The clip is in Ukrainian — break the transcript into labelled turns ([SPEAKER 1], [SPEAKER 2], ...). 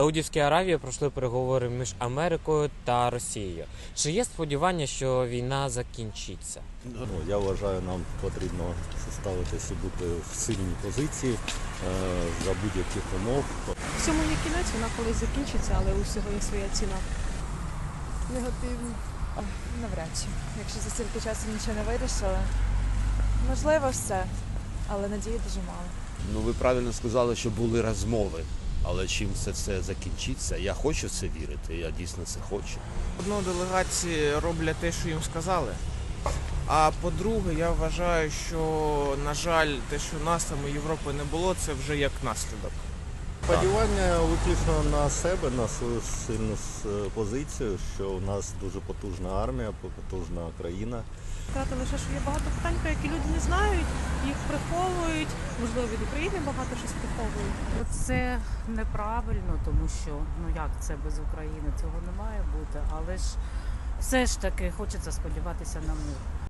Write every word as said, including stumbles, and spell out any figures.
[SPEAKER 1] В Саудівській Аравії пройшли переговори між Америкою та Росією. Чи є сподівання, що війна закінчиться?
[SPEAKER 2] Ну, я вважаю, нам потрібно ставитися і бути в сильній позиції е, за будь-яких умов.
[SPEAKER 3] Всьому є кінець, вона колись закінчиться, але у всього є своя ціна. Негативно. Навряд чи. Якщо за стільки часу нічого не вирішили. Можливо, все, але надії дуже мало.
[SPEAKER 4] Ну, ви правильно сказали, що були розмови. Але чим все це закінчиться, я хочу в це вірити, я дійсно це хочу.
[SPEAKER 5] Одно, делегації роблять те, що їм сказали. А по-друге, я вважаю, що, на жаль, те, що нас там у Європи не було, це вже як наслідок.
[SPEAKER 2] Сподівання виключно на себе, на свою сильну позицію, що у нас дуже потужна армія, потужна країна.
[SPEAKER 3] Сказати лише, що є багато питань, про які люди не знають, їх приховують, можливо, від України багато щось приховують.
[SPEAKER 6] Це неправильно, тому що, ну як це без України, цього не має бути, але ж все ж таки хочеться сподіватися на мир.